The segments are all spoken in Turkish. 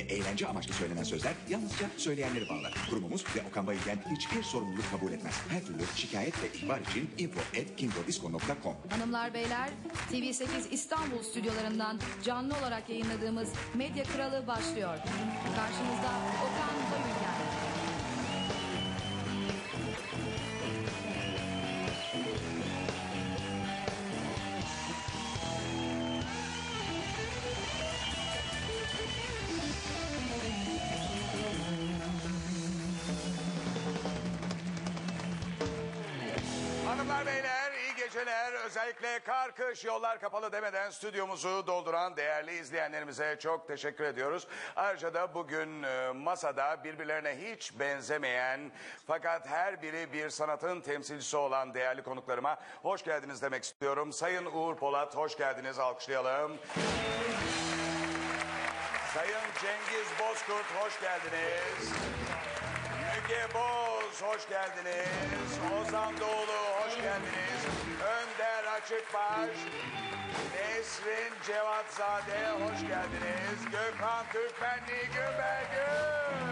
eğlence amaçlı söylenen sözler yalnızca söyleyenleri bağlar. Kurumumuz ve Okan Bayülgen hiçbir sorumluluk kabul etmez. Her türlü şikayet ve ihbar için info@kingodisco.com. Hanımlar beyler, TV8 İstanbul stüdyolarından canlı olarak yayınladığımız Medya Kralı başlıyor. Karşınızda Okan Bayülgen. Hanımlar beyler iyi geceler. Özellikle kar kış yollar kapalı demeden stüdyomuzu dolduran değerli izleyenlerimize çok teşekkür ediyoruz. Ayrıca da bugün masada birbirlerine hiç benzemeyen fakat her biri bir sanatın temsilcisi olan değerli konuklarıma hoş geldiniz demek istiyorum. Sayın Uğur Polat hoş geldiniz, alkışlayalım. Sayın Cengiz Bozkurt hoş geldiniz. Müge Boz hoş geldiniz. Ozan Doğulu hoş geldiniz. Önder Açıkbaş, Nesrin Cevatzade hoş geldiniz. Gökhan Türkmenli Gümbelgün.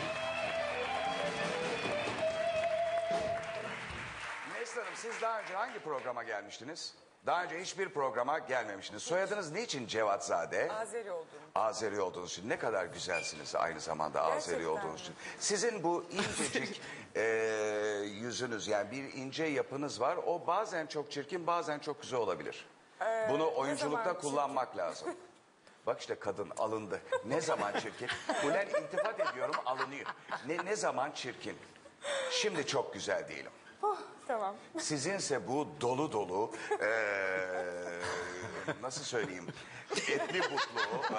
Nesrin Hanım, siz daha önce hangi programa gelmiştiniz? Daha önce hiçbir programa gelmemiştiniz. Soyadınız niçin Cevatzade? Azeri oldum. Azeri olduğunuz için. Ne kadar güzelsiniz aynı zamanda Azeri Gerçekten olduğunuz için. Sizin bu incecik yüzünüz, yani bir ince yapınız var. O bazen çok çirkin, bazen çok güzel olabilir. Bunu oyunculukta kullanmak lazım. Bak işte kadın alındı. Ne zaman çirkin? Ulan iltifat ediyorum, alınıyor. Ne zaman çirkin? Şimdi çok güzel değilim. Oh, tamam. Sizinse bu dolu dolu nasıl söyleyeyim, etli butlu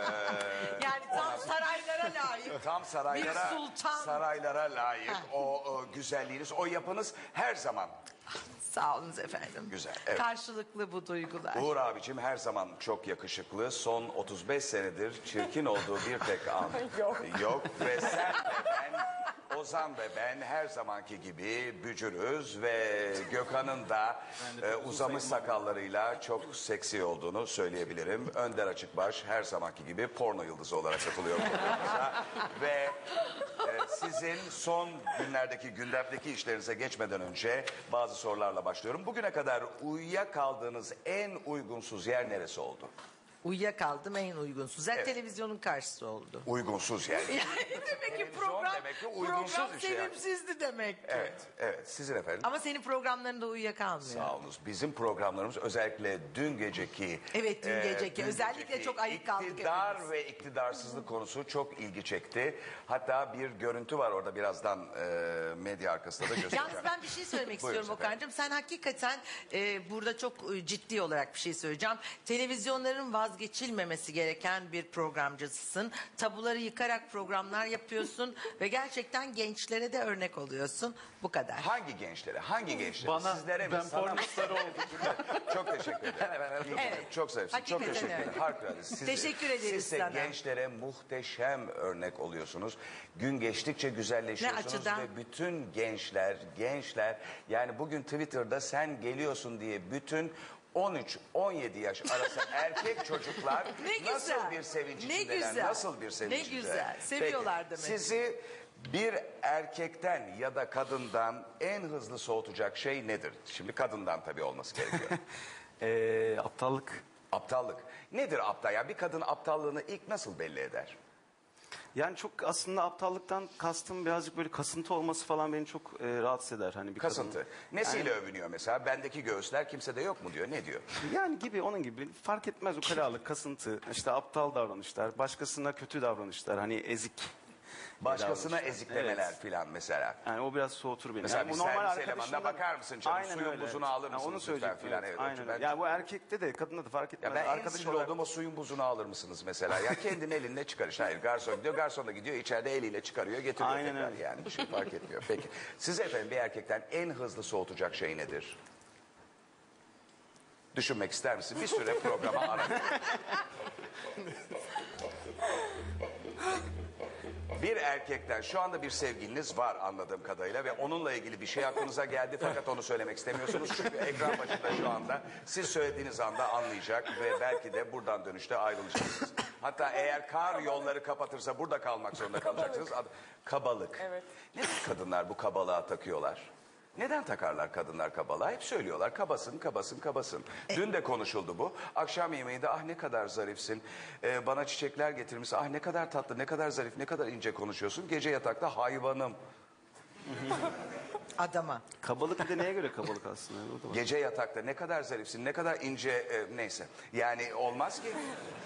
Yani tam saraylara layık. tam saraylara, Bir sultan. saraylara layık o güzelliğiniz, o yapınız her zaman Sağ olunuz efendim. güzel. Evet. Karşılıklı bu duygular. Uğur abicim her zaman çok yakışıklı. Son 35 senedir çirkin olduğu bir tek an yok. Ve sen ve ben, Ozan ve ben her zamanki gibi bücürüz ve Gökhan'ın da uzamış sakallarıyla çok seksi olduğunu söyleyebilirim. Önder Açıkbaş her zamanki gibi porno yıldızı olarak katılıyor programımıza. Ve sizin son günlerdeki gündemdeki işlerinize geçmeden önce bazı sorularla başlıyorum. Bugüne kadar uyuyakaldığınız en uygunsuz yer neresi oldu? Uyuyakaldım en uygunsuz. Zaten Evet. televizyonun karşısı oldu. Uygunsuz yer. Yani demek ki Televizyon program, demek ki uygunsuz program bir şey yani. sevimsizdi demek ki. Evet. Sizin efendim? Ama senin programlarında uyuyakalmıyor. Sağ olunuz. Bizim programlarımız özellikle dün geceki... Evet, dün geceki. Özellikle çok ayık kaldık İktidar hepimiz. ve iktidarsızlık konusu çok ilgi çekti. Hatta bir görüntü var orada, birazdan medya arkasında da göstereceğim. Yalnız ben bir şey söylemek Buyurun istiyorum efendim. Okan'cığım. Sen hakikaten burada çok ciddi olarak bir şey söyleyeceğim. Televizyonların vazgeçilmemesi gereken bir programcısın. Tabuları yıkarak programlar yapıyorsun ve gerçekten gençlere de örnek oluyorsun. Bu kadar. Hangi gençlere? Hangi gençlere? Bana, Sizlere mi? ben Sana mı? pornostar oldum. Çok teşekkür ederim. Evet. Çok zarifsin. Çok Hakikaten teşekkür ederim. öyle. Harikulade. Teşekkür ederiz Siz de sana. gençlere muhteşem örnek oluyorsunuz. Gün geçtikçe güzelleşiyorsunuz. Ne açıdan? Ve bütün gençler yani bugün Twitter'da sen geliyorsun diye bütün 13-17 yaş arası erkek çocuklar Ne nasıl güzel. bir sevinç Ne içindeler, güzel. nasıl bir sevinç Ne içindeler. güzel. Seviyorlar Peki, demek. sizi bir erkekten ya da kadından en hızlı soğutacak şey nedir? Şimdi kadından tabii olması gerekiyor. Aptallık. Aptallık. Nedir aptal? Yani bir kadın aptallığını ilk nasıl belli eder? Yani çok aslında aptallıktan kastım birazcık böyle kasıntı olması falan beni çok rahatsız eder. Hani bir Kasıntı. kadın. Nesiyle övünüyor mesela? Bendeki göğüsler kimsede yok mu diyor. Ne diyor? Yani gibi onun gibi fark etmez ukalalık, kasıntı, işte aptal davranışlar, başkasına kötü davranışlar, hani ezik. Başkasına davranışlar. eziklemeler Evet. filan mesela. Yani o biraz soğutur beni. Mesela yani bir bu normal servis arkadaşımdan- elemanına bakar mısın canım? Aynen Suyun öyle, buzunu evet. alır Ha, mısınız onu lütfen söyleyecektim. filan. Evet, Evet, aynen ben- öyle. Yani bu erkekte de kadında da fark etmez. Ya ben en Arkadaş sinir olarak- olduğum o suyun buzunu alır mısınız mesela? Ya kendin elinle çıkar işte. Hayır, garson gidiyor. Garson da gidiyor. İçeride eliyle çıkarıyor. Getiriyor Aynen tekrar öyle. yani. Bir şey fark etmiyor. Peki. Siz efendim bir erkekten en hızlı soğutacak şey nedir? Düşünmek ister misin? Bir süre programa ara. Bir erkekten şu anda bir sevgiliniz var anladığım kadarıyla ve onunla ilgili bir şey aklınıza geldi fakat onu söylemek istemiyorsunuz. Çünkü ekran başında şu anda siz söylediğiniz anda anlayacak ve belki de buradan dönüşte ayrılacaksınız. Hatta eğer kar yolları kapatırsa burada kalmak zorunda kalacaksınız. Kabalık. Evet. Neden kadınlar bu kabalığa takıyorlar? Neden takarlar kadınlar kabalığa? Hep söylüyorlar kabasın, kabasın, kabasın. Dün de konuşuldu bu. Akşam yemeğinde ah ne kadar zarifsin. Bana çiçekler getirmişsin. Ah ne kadar tatlı, ne kadar zarif, ne kadar ince konuşuyorsun. Gece yatakta hayvanım. Adama. Kabalık bir de neye göre kabalık aslında? O da var. Gece yatakta ne kadar zarifsin, ne kadar ince neyse. Yani olmaz ki.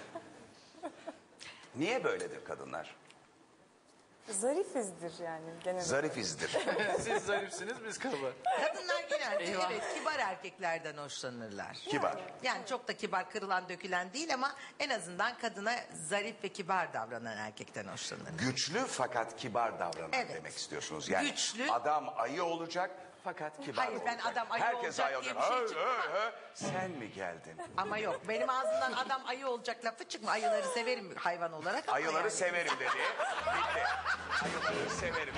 Niye böyledir kadınlar? Zarifizdir yani genel. Zarifizdir. Siz zarifsiniz biz kaba. Kadınlar genelde evet kibar erkeklerden hoşlanırlar. Kibar. Yani çok da kibar kırılan dökülen değil ama en azından kadına zarif ve kibar davranan erkekten hoşlanır. Güçlü fakat kibar davranan Evet. demek istiyorsunuz. Yani Güçlü. adam ayı olacak fakat kibar Hayır, olacak. ben adam ayı Herkes olacak ayı diye olacak. bir şey çıkmaz. Sen mi geldin? Ama yok benim ağzımdan adam ayı olacak lafı çıkma. Ayıları severim hayvan olarak ama Ayıları yani. severim dedi. Bitti. Ayıları severim.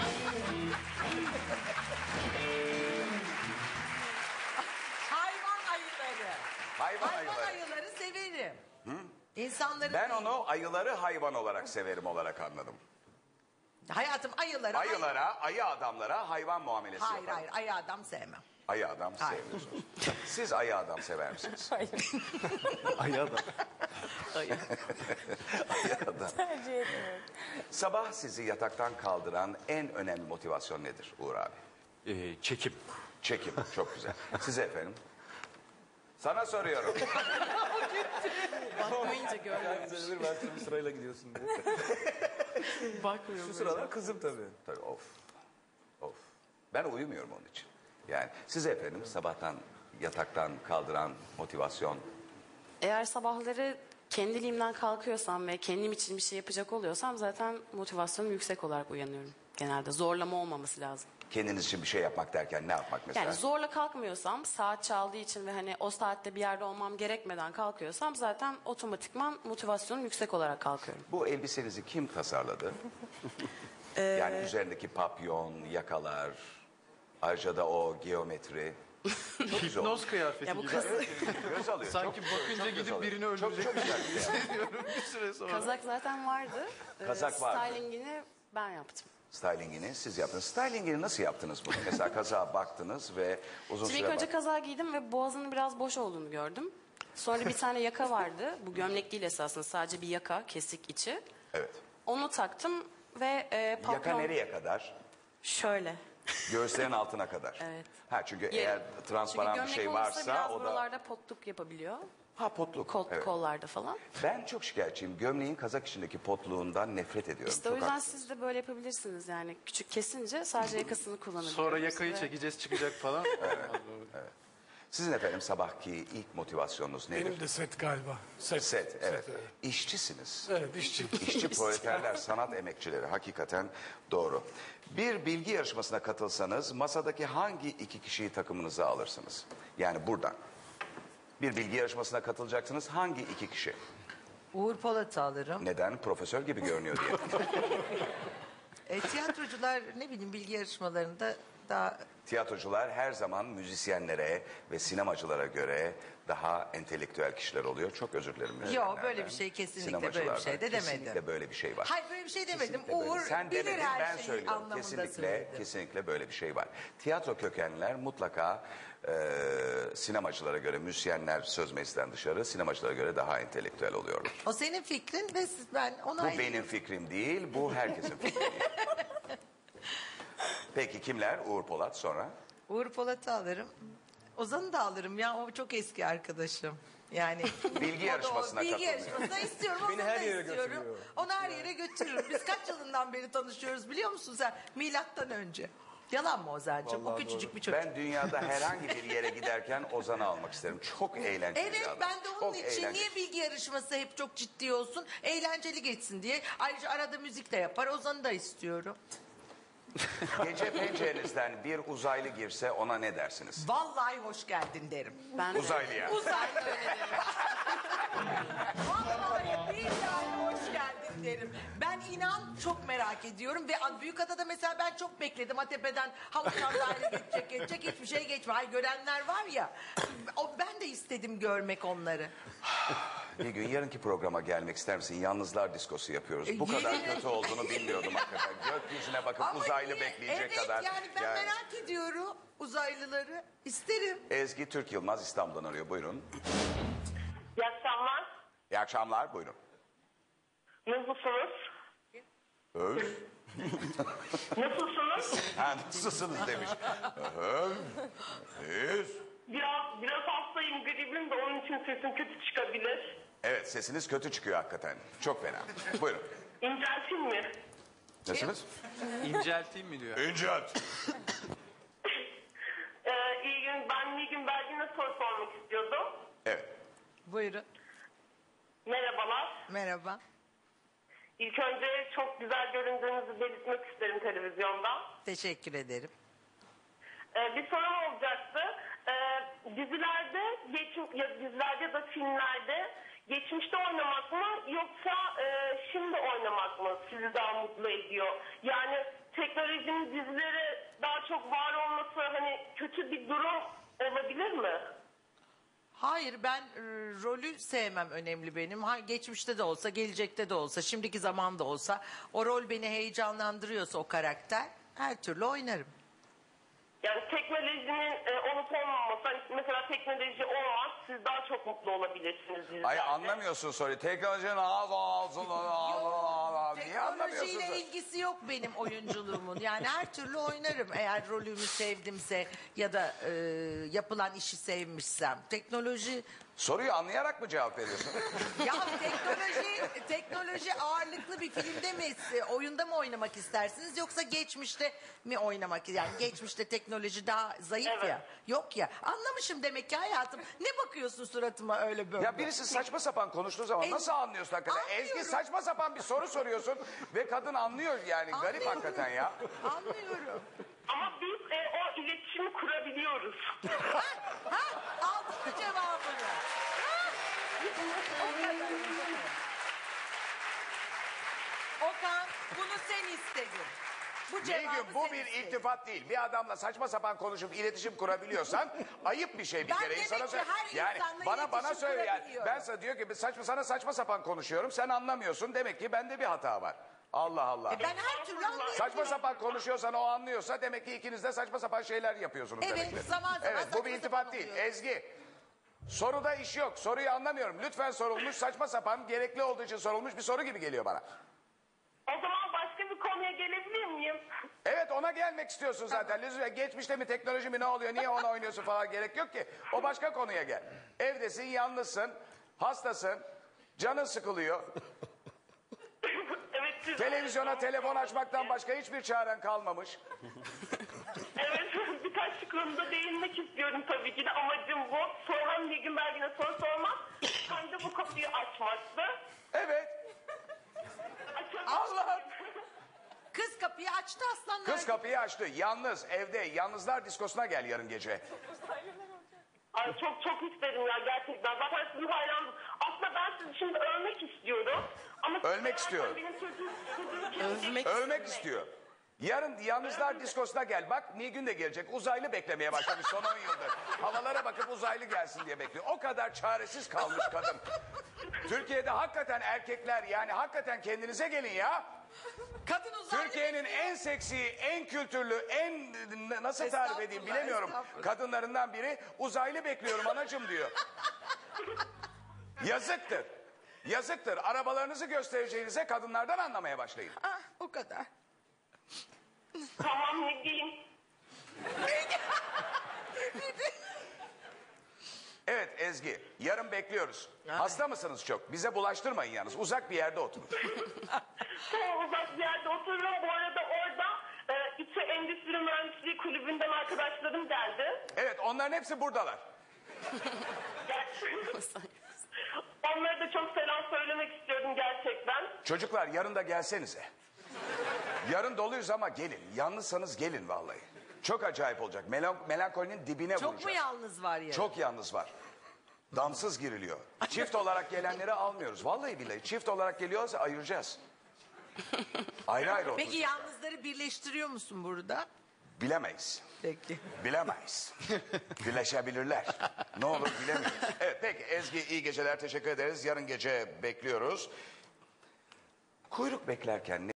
Hayvan ayıları. Hayvan Hayvan ayıları. ayıları severim. İnsanların Ben değil. onu ayıları hayvan olarak severim olarak anladım. Hayatım ayıları. Ayılara, ayı adamlara hayvan muamelesi Hayır yaparım. hayır ayı adam sevmem. Ayı adam Hayır. sevmiyorsunuz. Siz ayı adam sever misiniz? Hayır. Ayağı da. Ayı adam. Tercih etmiyorum. Sabah sizi yataktan kaldıran en önemli motivasyon nedir Uğur abi? Çekim. Çekim. Çok güzel. Size efendim? Sana soruyorum. Bakmayınca görmüyorum. Ben sırayla gidiyorsun diye. Bakmıyorum. Şu sıralar kızım tabii. Tabii of. Of. Ben uyumuyorum onun için. Yani size efendim sabahtan yataktan kaldıran motivasyon. Eğer sabahları kendiliğimden kalkıyorsam ve kendim için bir şey yapacak oluyorsam zaten motivasyonum yüksek olarak uyanıyorum. Genelde zorlama olmaması lazım. Kendiniz için bir şey yapmak derken ne yapmak mesela? Yani zorla kalkmıyorsam, saat çaldığı için ve hani o saatte bir yerde olmam gerekmeden kalkıyorsam zaten otomatikman motivasyonum yüksek olarak kalkıyorum. Bu elbisenizi kim tasarladı? Yani üzerindeki papyon, yakalar, ayrıca da o geometri. Çok güzel olmuş. Hipnoz kıyafeti Ya bu gibi. Göz alıyor. Sanki çok, bakınca çok göz gidip alıyor. birini Çok öldürecek. güzel bir şey. Bir süre sonra. Kazak zaten vardı. Kazak vardı. Stylingini ben yaptım. Stylingini siz yaptınız. Stylingini nasıl yaptınız bunu? Mesela kazağa baktınız ve uzun Şimdi süre ilk önce kazağı giydim ve boğazının biraz boş olduğunu gördüm. Sonra bir tane yaka vardı. Bu gömlek değil esasında, sadece bir yaka, kesik içi. Evet. Onu taktım ve papyon... Yaka nereye kadar? Şöyle. Göğüslerin altına kadar. Evet. Ha çünkü eğer transparan bir Çünkü şey gömlek olursa varsa biraz o da buralarda potluk yapabiliyor. ha potluk. Evet. Kollarda falan. Ben çok şikayetçiyim. Gömleğin kazak içindeki potluğundan nefret ediyorum. İşte o Çok yüzden haklısınız. siz de böyle yapabilirsiniz yani. Küçük kesince sadece yakasını kullanabiliyorsunuz. Sonra yakayı ve- çekeceğiz çıkacak falan. Sizin efendim sabahki ilk motivasyonunuz nedir? Benim de set galiba. Set, evet. İşçisiniz. Evet, işçi. İşçi proleterler, sanat emekçileri hakikaten doğru. Bir bilgi yarışmasına katılsanız masadaki hangi iki kişiyi takımınıza alırsınız? Yani buradan. Bir bilgi yarışmasına katılacaksınız. Hangi iki kişi? Uğur Polat'ı alırım. Neden? Profesör gibi görünüyor diye. Tiyatrocular ne bileyim bilgi yarışmalarında daha Tiyatrocular her zaman müzisyenlere ve sinemacılara göre daha entelektüel kişiler oluyor. Çok özür dilerim. müzisyenlerden, böyle bir şey kesinlikle böyle bir sinemacılardan. şey de demedim. Kesinlikle böyle bir şey var. hayır böyle bir şey demedim. Kesinlikle böyle. Uğur Sen bilir demedin, her ben şeyi söylüyorum. anlamında Kesinlikle, söyledim. kesinlikle böyle bir şey var. Tiyatro kökenliler mutlaka sinemacılara göre, müzisyenler söz meclisten dışarı, sinemacılara göre daha entelektüel oluyorlar. O senin fikrin ve ben ona Bu benim fikrim değil, bu herkesin fikri. Peki kimler? Uğur Polat sonra? Uğur Polat'ı alırım. Ozan'ı da alırım ya o çok eski arkadaşım. Yani Bilgi yarışmasına bilgi katılmıyor. yarışmasına istiyorum. Beni Ozan'ı her da yere istiyorum. götürüyor. Onu her yere götürürüm. Biz kaç yılından beri tanışıyoruz biliyor musun sen? Milattan önce. Yalan mı Ozan'cığım? O Vallahi küçücük bir çocuk. Ben dünyada herhangi bir yere giderken Ozan'ı almak isterim. Çok eğlenceli bir Evet adam. ben de onun Çok için eğlenceli. niye bilgi yarışması hep çok ciddi olsun? Eğlenceli geçsin diye. Ayrıca arada müzik de yapar. Ozan'ı da istiyorum. Gece pencerenizden bir uzaylı girse ona ne dersiniz? Vallahi hoş geldin derim. Ben de- Uzaylıya. Uzaylı öyle derim. Vallahi billahi hoş geldin derim. Ben inan çok merak ediyorum ve Büyükada'da mesela ben çok bekledim. Atepe'den havuçtan daire geçecek hiçbir şey geçmiyor. Ay görenler var ya. Ben de istedim görmek onları. Bir gün yarınki programa gelmek ister misin? Yalnızlar diskosu yapıyoruz. Bu kadar kötü olduğunu bilmiyordum hakikaten. Gökyüzüne bakıp Ama uzaylı niye? bekleyecek Evet, kadar. yani ben merak ediyorum uzaylıları. İsterim. Ezgi Türk Yılmaz İstanbul'dan arıyor. Buyurun. İyi akşamlar. İyi akşamlar. Buyurun. Nasılsınız? Öf. Nasılsınız? Ha, nasılsınız demiş. Öf. Biraz hastayım, gribim de onun için sesim kötü çıkabilir. Evet, sesiniz kötü çıkıyor hakikaten. Çok fena. Buyurun. İnceltin mi? Nasılsınız? İncelteyim mi diyor. İncelt. İyi gün, ben Nilgün Belgin'e soru sormak istiyordum. Evet. Buyurun. Merhabalar. Merhaba. İlk önce çok güzel göründüğünüzü belirtmek isterim televizyonda. Teşekkür ederim. Bir sorum olacaktı. Dizilerde ya da filmlerde geçmişte oynamak mı yoksa şimdi oynamak mı sizi daha mutlu ediyor? Yani teknolojinin dizilere daha çok var olması hani kötü bir durum olabilir mi? Hayır, ben rolü sevmem önemli benim. Geçmişte de olsa, gelecekte de olsa, şimdiki zamanda olsa o rol beni heyecanlandırıyorsa o karakter her türlü oynarım. Yani teknolojinin olup olmaması, hani mesela teknoloji olmaz, siz daha çok mutlu olabilirsiniz dizilerde. Ay anlamıyorsun soruyu. Teknolojinin niye anlamıyorsun? Teknolojiyle ilgisi yok benim oyunculuğumun. Yani her türlü oynarım eğer rolümü sevdimse ya da yapılan işi sevmişsem. Teknoloji Soruyu anlayarak mı cevap veriyorsun? ya teknoloji ağırlıklı bir filmde mi, oyunda mı oynamak istersiniz yoksa geçmişte mi oynamak? Yani geçmişte teknoloji daha zayıf Evet. ya. Yok ya. Anlamışım demek ki hayatım. Ne bakıyorsun suratıma öyle böyle? Ya birisi saçma sapan konuştuğu zaman nasıl anlıyorsun hakikaten? Anlıyorum. Ezgi saçma sapan bir soru soruyorsun ve kadın anlıyor yani. Garip Anlıyorum. hakikaten ya. Anlıyorum. Ama biz o iletişimi kurabiliyoruz. Aldın mı cevabını? Okan, bunu sen istedin. Bu cevabı Nilgün bu sen bir istedin. iltifat değil. Bir adamla saçma sapan konuşup iletişim kurabiliyorsan ayıp bir şey bir Ben kere. demek İnsana ki söyle. her Yani insanla bana iletişim söyle yani. kurabiliyorum. Ben sana diyor ki sana saçma sapan konuşuyorum. Sen anlamıyorsun. Demek ki bende bir hata var. Allah Allah. Ben her türlü anlıyorum. Saçma sapan konuşuyorsan o anlıyorsa demek ki ikiniz de saçma sapan şeyler yapıyorsunuz Evet, demektir. zaman zaman Evet bu saçma bir sapan iltifat değil. oluyor. Ezgi. Soruda iş yok. Soruyu anlamıyorum. Lütfen sorulmuş saçma sapan gerekli olduğu için sorulmuş bir soru gibi geliyor bana. O zaman başka bir konuya gelebilir miyim? Evet ona gelmek istiyorsun zaten. Lütfen geçmişte mi teknoloji mi ne oluyor niye onu oynuyorsun falan gerek yok ki. O başka konuya gel. Evdesin yalnızsın hastasın canın sıkılıyor. Evet, siz- Televizyona telefon açmaktan başka hiçbir çaren kalmamış. Evet, birkaç konuda değinmek istiyorum tabii ki de amacım bu. Sonra Nilgün Belgin'e soru sormak, hem de bu kapıyı açmaktı. Evet Allah. Kız kapıyı açtı aslanlar. Kız kapıyı açtı yalnız evde yalnızlar diskosuna gel yarın gece. Ay çok isterim ya gerçekten. Zaten sizin hayranım. Aslında ben sizi şimdi övmek istiyorum. Ama Ölmek istiyorum. Benim çocuğum Ölmek istiyor. Yarın yalnızlar diskosuna gel. Bak Nilgün de gelecek. Uzaylı beklemeye başlamış son 10 yıldır. Havalara bakıp uzaylı gelsin diye bekliyor. O kadar çaresiz kalmış kadın. Türkiye'de hakikaten erkekler yani hakikaten kendinize gelin ya. Kadın uzaylı. Türkiye'nin en seksi, en kültürlü, en nasıl tarif edeyim Estağfurullah, bilemiyorum. estağfurullah. Kadınlarından biri uzaylı bekliyorum anacığım diyor. Yazıktır. Yazıktır. Arabalarınızı göstereceğinize kadınlardan anlamaya başlayın. Ah, o kadar. Tamam ne diyeyim? Evet Ezgi, yarın bekliyoruz. Hasta mısınız çok? Bize bulaştırmayın yalnız. Uzak bir yerde oturun. Çok uzak bir yerde oturuyorum. Bu arada orada İTÜ Endüstri Mühendisliği Kulübü'nden arkadaşlarım geldi. Evet, onların hepsi buradalar. Onlara da çok selam söylemek istiyorum gerçekten. Çocuklar yarın da gelsenize. Yarın doluyuz ama gelin. Yalnızsanız gelin vallahi. Çok acayip olacak. Melankolinin dibine vuracağız. Çok mu yalnız var ya? Çok yalnız var. Damsız giriliyor. Çift olarak gelenleri almıyoruz. Vallahi billahi çift olarak geliyorsa ayıracağız. Ayrı ayrı Peki oturacaklar. yalnızları birleştiriyor musun burada? Bilemeyiz. Peki. Bilemeyiz. Bileşebilirler. Ne olur bilemiyoruz. Evet peki Ezgi iyi geceler teşekkür ederiz. Yarın gece bekliyoruz. Kuyruk beklerken